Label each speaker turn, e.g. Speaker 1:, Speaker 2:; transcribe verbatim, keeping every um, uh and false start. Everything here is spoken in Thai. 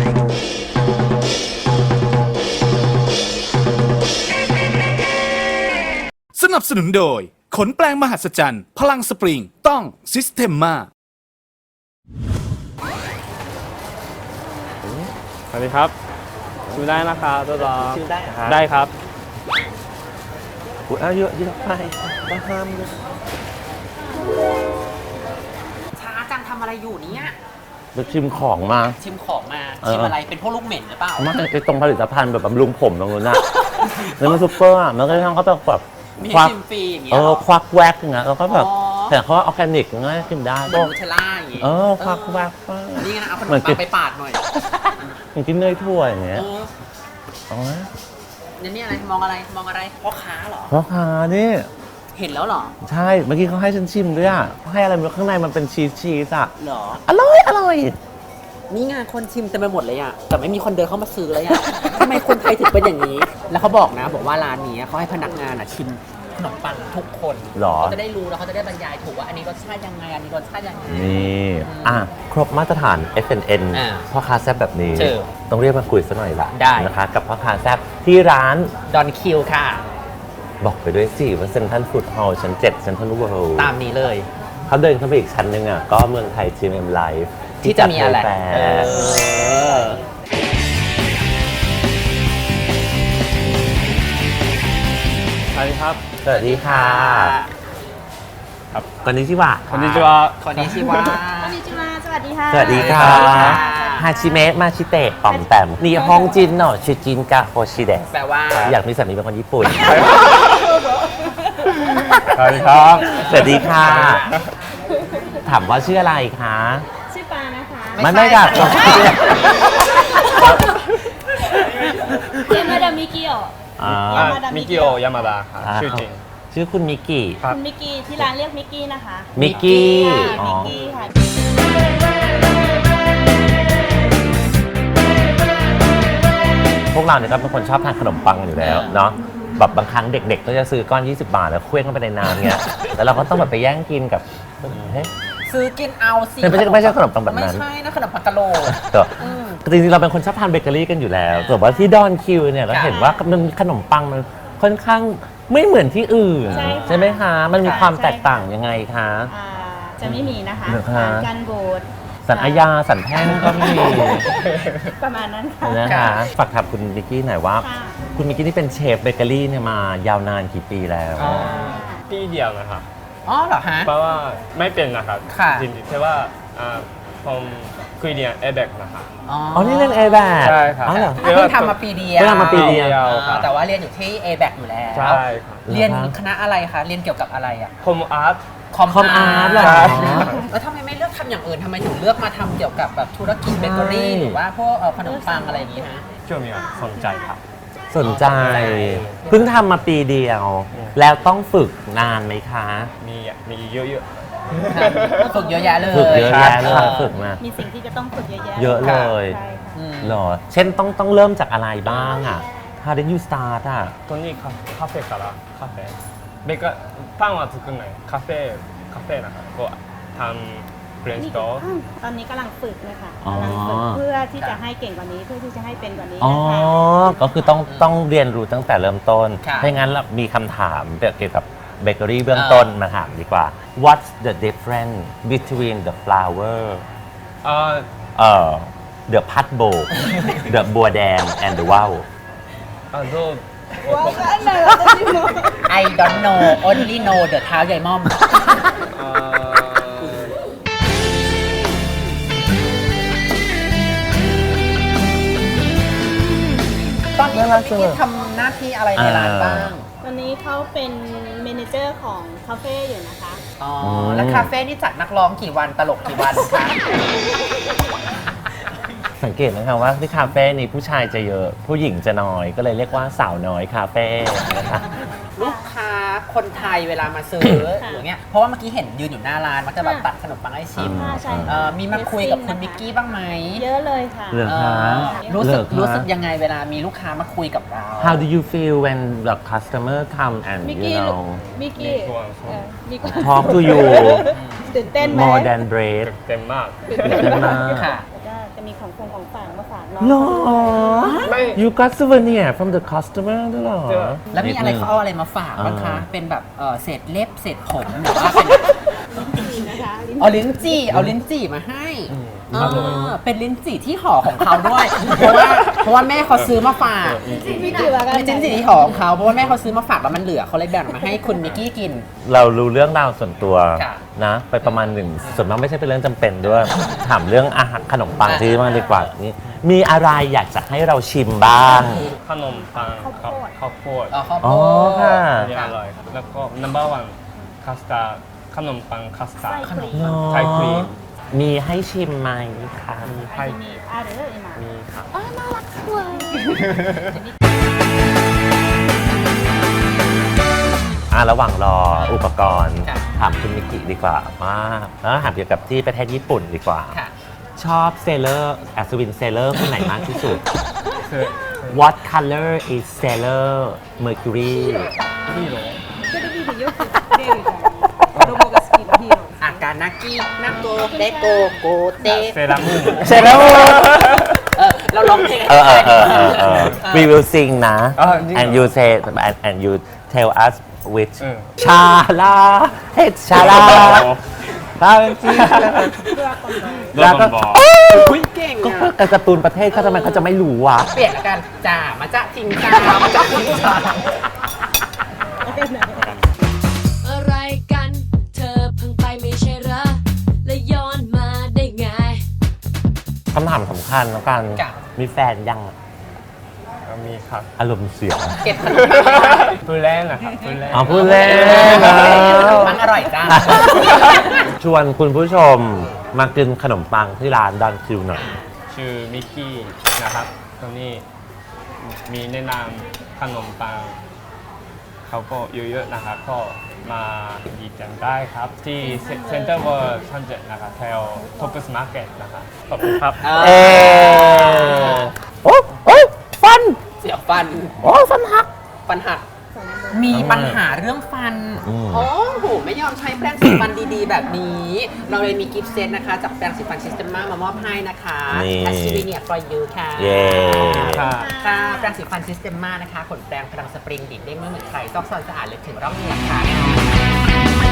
Speaker 1: สนับสนุนโดยขนแปลงมหัศจรรย์พลังสปริงต้องซิสเ e มมา
Speaker 2: สวัสดีครับชิมได้นะครับตัวต่อ
Speaker 3: ชิมได้ครับ
Speaker 2: ได้ครับ
Speaker 3: อุ้ยเอาเยอะเยอะไปบ้าห้ามเลย
Speaker 4: ช้าจังทำอะไรอยู่เนี่ย
Speaker 3: ไปชิมของมา
Speaker 4: ชิมของมา
Speaker 3: เออ
Speaker 4: ชิมอะไรเป็นพวกลูกเหม็นหรือเปล่า
Speaker 3: ไม่ไอ้ตรงผลิตภัณฑ์แบบบำรุงผมตรงนู้นน่ะแล้วมันซุปเปอร์อ่ะมันก็ทั้งเขาแบบแบบ
Speaker 4: มี
Speaker 3: ควัก
Speaker 4: ชิมฟรีอย่างเงี้
Speaker 3: เอย
Speaker 4: หร
Speaker 3: อ
Speaker 4: อ
Speaker 3: ควักแวกอย่างเงี้ยแล้วก็แบบ
Speaker 4: อ๋อ
Speaker 3: แต่เขาออร์แกนิกง่ายชิมได้
Speaker 4: เหมือนนูเทลล่าอย่างงี้
Speaker 3: เออควักแวกไป
Speaker 4: นี่ไงนะเอาขน
Speaker 3: เหมื
Speaker 4: ม
Speaker 3: อนกิ
Speaker 4: ปั
Speaker 3: น
Speaker 4: งไปปาดหน่อย
Speaker 3: มันกินเนยถ้วยอย่างเงี้ย
Speaker 4: เออ
Speaker 3: อ๋อ
Speaker 4: เนี่ยนี่อะไรมองอะไรมองอะไรพ่อค้าเหรอ
Speaker 3: พ่อค้านี่
Speaker 4: เห็นแล้วเหรอ
Speaker 3: ใช่เมื่อกี้เขาให้ฉันชิมด้วยอ่ะเขาให้อะไรไม่รู้ข้างในมันเป็นชีสชีสอ่ะ
Speaker 4: เหรอ
Speaker 3: อร่อยอร่อย
Speaker 4: นี่ไงคนชิมเต็มไปหมดเลยอะแต่ไม่มีคนเดินเข้ามาซื้อเลยอะ ทำไมคนไทยถึงเป็นอย่างนี้ แล้วเขาบอกนะบอกว่าร้านนี้เขาให้พนักงานอะชิมขนมปังทุกคน
Speaker 3: หรอ
Speaker 4: เขาจะได้รู้แล้วเขาจะได้บรรยายถูกว่าอันนี้รสชาติยังไงอันนี้รสชาติยังไง
Speaker 3: นี่อ่ะครบมาตรฐาน เอฟ เอ็น เอ็น
Speaker 4: อ่า
Speaker 3: พ่อค้าแซ่บแบบนี้
Speaker 4: เจอ
Speaker 3: ต้องเรียกมาคุยสักหน่อยละ
Speaker 4: ได้
Speaker 3: นะคะ กับพ่อค้าแซ่บที่ร้าน
Speaker 4: ดอนคิวค่ะ
Speaker 3: บอกไปด้วยสิว่าเซ็นทรัลฟู้ดฮอลล์ชั้นเจ็ดเซ็นทรัลเวิลด์
Speaker 4: ตามนี้เลย
Speaker 3: เขาเดินเข้าไปอีกชั้นหนึงอ่ะก็เมืองไทย จี เอ็ม Live
Speaker 4: ที่จะมีอะไร
Speaker 3: แฟ
Speaker 4: เออ
Speaker 2: สวัสดีครับ
Speaker 3: สวัสดีค่ะ
Speaker 2: ครับ
Speaker 3: คนนี้ชื่อว่า
Speaker 2: คนนี้จะว่า
Speaker 4: คนนี้ชื่อว่า
Speaker 5: こんにちはสวัสดีค่ะ
Speaker 3: สวัสดีค่ะ
Speaker 4: สวัสดีค่ะ
Speaker 3: ฮาชิเมะมาชิเตะปอมแปมนี่ฮองจินเนาะชิจินกะโฮชิเดะ
Speaker 4: แปลว่า
Speaker 3: อยากมีสามีเป็นคนญี่ปุ่น
Speaker 2: สวัสดีครับ
Speaker 3: สวัสดีค่ะ ถามว่าชื่ออะไรคะ
Speaker 5: ชื่อปานะคะ
Speaker 4: ไม่
Speaker 3: มัน
Speaker 4: ใช่
Speaker 3: ไม่กัด
Speaker 4: ไม่ใช่
Speaker 5: เรียนมาดามิกิโอ
Speaker 3: อ่า
Speaker 2: อ่ะมิกิโอยามาดาครับ
Speaker 3: อ่า
Speaker 2: ชื่อจริง
Speaker 3: ชื่อคุณมิกกี้
Speaker 2: ครับ
Speaker 5: คุณมิกกี้ที่ร้านเรียกมิกกี้นะคะ
Speaker 3: มิกกี้
Speaker 5: ค่ะ
Speaker 3: อ๋อ
Speaker 5: มิกกี้ค่ะ
Speaker 3: พวกเราเนี่ยก็เป็นคนชอบทานขนมปังอยู่แล้วเนาะแบบบางครั้งเด็กๆ ก็จะซื้อก้อน ยี่สิบบาท แล้วเคว้งเข้าไปในน้ำเงี้ย แล้วเราก็ต้องแบบไปแย่งกินกับเฮ้ย
Speaker 4: ซื้อกินเอาสิ
Speaker 3: ไม่ใช่ไม่ใช่ขนมปังแบบนั้น
Speaker 4: ไม่ใช่นะขนมปังกะโหลก
Speaker 3: แต่
Speaker 4: อืม
Speaker 3: จริงๆเราเป็นคนชอบทานเบเกอรี่กันอยู่แล้วแต่ว่าที่ดอนคิวเนี่ยเรา
Speaker 4: ค่ะ
Speaker 3: เห็นว่ามันขนมปังมันค่อนข้างไม่เหมือนที่อื่น
Speaker 5: ใช่ค่ะ
Speaker 3: ใช่ไหมคะ มันมี
Speaker 4: ค่ะ
Speaker 3: ความ
Speaker 5: ใช่
Speaker 3: แตก
Speaker 5: ค่ะ
Speaker 3: ต่างยังไงคะ
Speaker 5: อ่าจะไม่มีนะคะ
Speaker 3: เหรอคะ
Speaker 5: ร้านกันโบด
Speaker 3: สันอาญาสันแพ่งก็มี
Speaker 5: ประมาณนั้นค่ะ
Speaker 3: นะคะฝากถามคุณมิกกี้หน่อยว่า
Speaker 5: ค่ะ
Speaker 3: คุณมิกกี้นี่เป็นเชฟเบเกอรี่เนี่ยมายาวนานกี่ปีแล้ว
Speaker 2: อ๋อปีเดียวนะครับ
Speaker 4: อ๋อเหรอฮะ
Speaker 2: เพราะว่าไม่เป็นนะครับ
Speaker 4: ค่ะ
Speaker 2: จริงๆแต่ว่าอ่าผมคุยเรียนเอเบกนะครับ
Speaker 4: อ๋อ
Speaker 3: อ๋อ นี่เล่น A แบบ
Speaker 2: ใช่ครับ
Speaker 3: อ๋อเหรอ
Speaker 4: อ่ะเพิ่งทำมาปีเดียว
Speaker 3: เพิ่งทำมาปีเดียว
Speaker 4: อ่าแต่ว่าเรียนอยู่ที่ เอ แบค อยู่แล้ว
Speaker 2: ใช่ครับ
Speaker 4: เรียนคณะอะไรคะ เรียนเกี่ยวกับอะไรอ่ะ
Speaker 2: คอมอาร์ต
Speaker 4: คอม
Speaker 3: คอมอาร์ตเหรอ
Speaker 2: ใช่
Speaker 4: แล้วทำไมไม่เลือกทำอย่างอื่นทำไมถึงเลือกมาทำเกี่ยวกับแบบธุรกิจเบเกอรี่
Speaker 3: ใช่
Speaker 4: หรือว่าพวกเอ่อขนมปังอะไรอย่างงี้ฮะ
Speaker 2: ช่วงนี้สนใจครับ
Speaker 3: สนใจ เพิ่งทำมาปีเดียว แล้วต้องฝึกนานไหมคะ
Speaker 2: มีมีเยอะ
Speaker 4: ฝึกเยอะแยะเลย
Speaker 3: ฝึกเยอะแยะเลย
Speaker 4: ค่ะ
Speaker 3: ฝึกมา
Speaker 5: มีสิ่งที่จะต้องฝึกเยอะแยะ
Speaker 3: เยอะเลย
Speaker 5: ใช่ค่ะ
Speaker 4: อืม
Speaker 3: เหรอ เช่นต้องต้องเริ่มจากอะไรบ้างอ่ะ How did you start อ่ะ
Speaker 2: ๆตอนนี้カカフェからカフェเบเกอร์パンは作んないカフェカフェนะครับก็ทำフレンチトースト
Speaker 5: ตอนนี้กำลังฝึกนะคะ
Speaker 3: อ๋อ
Speaker 5: กำลังฝึกเพื่อที่จะให้เก่งกว่านี้เพื่อที่จะให้เป็นกว่านี้
Speaker 3: อ๋อ
Speaker 5: นะคะ
Speaker 3: ก็คือต้องต้องเรียนรู้ตั้งแต่เริ่มต้น
Speaker 4: ค่ะ
Speaker 3: ถ้างั้นเรามีคำถามเกี่ยวกับเบเกอรี่เบื้องต้นมาถามดีกว่า What's the difference between the flour
Speaker 2: อ่า
Speaker 3: เอ่อ the pat bowl the บัวแดง and the wow
Speaker 2: あどう
Speaker 4: I don't know only know the เท้าใหญ่ม่อม
Speaker 2: あー
Speaker 4: ตอนนี้พี่กิ๊ทำหน้าที่อะไรในร้านบ้าง
Speaker 5: ตอนนี้เขาเป็นเมเนเจอร์ของคาเฟ่อยู่นะคะ
Speaker 4: อ๋อ แล้วคาเฟ่นี่จัดนักร้องกี่วันตลกกี่วันคะ
Speaker 3: สังเกตนะครับว่าที่คาเฟ่นี้ผู้ชายจะเยอะ ผู้หญิงจะน้อย ก็เลยเรียกว่าสาวน้อยคาเฟ่นะคะ
Speaker 4: ลูกค้าคนไทยเวลามาซื้อ
Speaker 5: ค่ะ
Speaker 4: อย่างเงี้ย เพราะว่าเมื่อกี้เห็นยืนอยู่หน้าร้านมักจะแบบ
Speaker 5: ค่ะ
Speaker 4: ตัดขนมปังให้ชิม
Speaker 5: ค่ะใช่
Speaker 4: เอ่อมีมาคุยกับคุณมิกกี้บ้างไหม
Speaker 5: เยอะเลยค่ะ
Speaker 3: เหรอ
Speaker 4: เอ่
Speaker 3: คะ
Speaker 4: อรู้สึก
Speaker 3: เหอคะ
Speaker 4: รู้สึกยังไงเวลามีลูกค้ามาคุยกับเรา
Speaker 3: How do you feel when the customer come and
Speaker 5: มิก
Speaker 3: you
Speaker 5: กี้
Speaker 3: know
Speaker 5: มิกกี้
Speaker 2: มีความสุข
Speaker 5: เอ่อมีความ
Speaker 3: talk to you
Speaker 5: ตื่นเต้นไหม
Speaker 3: more than bread
Speaker 2: เต็มมาก
Speaker 3: ตื่นเต้นมาก
Speaker 4: ค่ะ
Speaker 5: แล้วก็จะมีของฟงของฝากมาฝค่ะรอ
Speaker 3: หรอ
Speaker 2: ไม่
Speaker 3: you got souvenir from the customer ด้วยเหรอ
Speaker 2: เจอ
Speaker 4: แล้วมีอะไรเขาเอาอะไรมาฝากบ้างคะ เป็นแบบเอ่อเศษเล็บเศษผมหรือว่าเป็น
Speaker 5: นะคะลิ้น
Speaker 4: เอาลิ้นจี่เอาลิ้นจี่มาให้
Speaker 2: อืม
Speaker 4: เออเป็นลิ้นจี่ที่ห่อของเขาด้วย เพราะว่าเพราะว่าแม่เขาซื้อมาฝาก
Speaker 5: ไม่เกี่ยวกัน
Speaker 4: เป็นลิ้นจี่ที่ห่อของเขาเพราะว่าแม่เขาซื้อมาฝากแล้วมันเหลือเขาเลยแบ่งมาให้คุณมิกกี้กิน
Speaker 3: เรารู้เรื่องราวส่วนตัว
Speaker 4: ค่ะ
Speaker 3: นะ ไปประมาณหนึ่งส่วนมากไม่ใช่เป็นเรื่องจำเป็นด้วย ถามเรื่องอาหารขนมปังที่มากดีกว่านี่มีอะไรอยากจะให้เราชิมบ้าง
Speaker 2: ขนมปังข้าวข้าวโพด
Speaker 4: เอาข้าวโพ
Speaker 3: อ๋อ
Speaker 4: ด
Speaker 3: ค่ะ
Speaker 2: อันนี้อร่อยครับแล้วก็ number one คัสตาร์ดขนมปังคัสตาร์ด
Speaker 5: ไส้ครีม
Speaker 2: ไส้ครีม
Speaker 3: มีให้ชิมไหมคะ
Speaker 2: มี
Speaker 5: อั
Speaker 2: ให้
Speaker 5: นนี้อ่ะเดี๋ยวเลยมา
Speaker 2: มีครับ
Speaker 5: อ๋อน่ารักเลย
Speaker 3: อ่ะระหว่างรออุปกรณ์
Speaker 4: ค่ะ
Speaker 3: ถามคุณมิกิดีกว่าว่าแล้วถามเกี่ยวกับที่ประเทศญี่ปุ่นดีกว่า
Speaker 4: ค่ะ
Speaker 3: ชอบเซเลอร์อัศวินเซเลอร์คนไหนมากที่สุด
Speaker 2: คือ
Speaker 3: What color is Sailor Mercury
Speaker 2: ヒーロー
Speaker 5: テレビでよく出るじゃん子供が好きなヒーロー
Speaker 4: อาการนากินาโกเตโกโกเต
Speaker 2: セーラームーン
Speaker 3: Sailor Moon
Speaker 4: เออเราร้องเพลง
Speaker 3: เออเออเออเออเออ We will sing นะ
Speaker 2: อ่ะจริงเหรอ
Speaker 3: and you say and, and you tell us which
Speaker 2: อืม
Speaker 3: ชาลาเฮดชาลาตาเป็นจี
Speaker 2: ドラゴンボール
Speaker 4: คุยเก่ง
Speaker 3: ก็
Speaker 4: อ่ะ
Speaker 3: การ์ตูนประเทศเขาทำไมเขาจะไม่รู้วะ
Speaker 4: เปลี่ยนละกันจ่ามาจ้าทิงจ่ามาจ้าทิงจ่า
Speaker 6: อะไรกัน เธอเพิ่งไปไม่ใช่เหรอ และย้อนมาได้ไง
Speaker 3: คำถามสำคัญแล้วกัน
Speaker 4: จ้ะ
Speaker 3: มีแฟนยัง
Speaker 2: มีครับ
Speaker 3: อารมณ์เสีย
Speaker 4: เก็บขนม
Speaker 2: พูดเล่นนะครับพูดเล่น
Speaker 3: อ๋อพูดเล่นนะ
Speaker 4: มันอร่อยจ้า
Speaker 3: ชวนคุณผู้ชมมากินขนมปังที่ร้านดันคิวหน่อย
Speaker 2: ชื่อมิกกี้นะครับตรงนี้มีแนะนำขนมปังเขาก็เยอะๆนะครับก็มาหยิบกันได้ครับ ที่เซ็นเตอร์เวิร์ชั้นเจ็ดนะครับแถวท็อปส์มาร์เก็ตนะครับขอบคุณครับ
Speaker 3: เออโอ้โอ้ฟัน
Speaker 4: เสียบฟัน
Speaker 3: โอ้ฟันหัก
Speaker 4: ฟันหัก มีปัญหาเรื่องฟัน
Speaker 3: อืม
Speaker 4: โอ้โห ไม่ยอมใช้แปรงสีฟันดีๆ แบบนี้ เราเลยมีกิฟต์เซตนะคะ จากแปรงสีฟันซิสเตมมามามอบให้นะคะ
Speaker 3: นี่
Speaker 4: แอสซิลิเนียฟอร์ยูค่ะ
Speaker 3: เย้
Speaker 2: ค่ะ
Speaker 4: ค่ะแปรงสีฟันซิสเตมมานะคะขนแปรงพลังสปริงดีดเด้งไม่เหมือนใครซอกซอนสะอาดเลยถึงร่องเหงือกค่ะ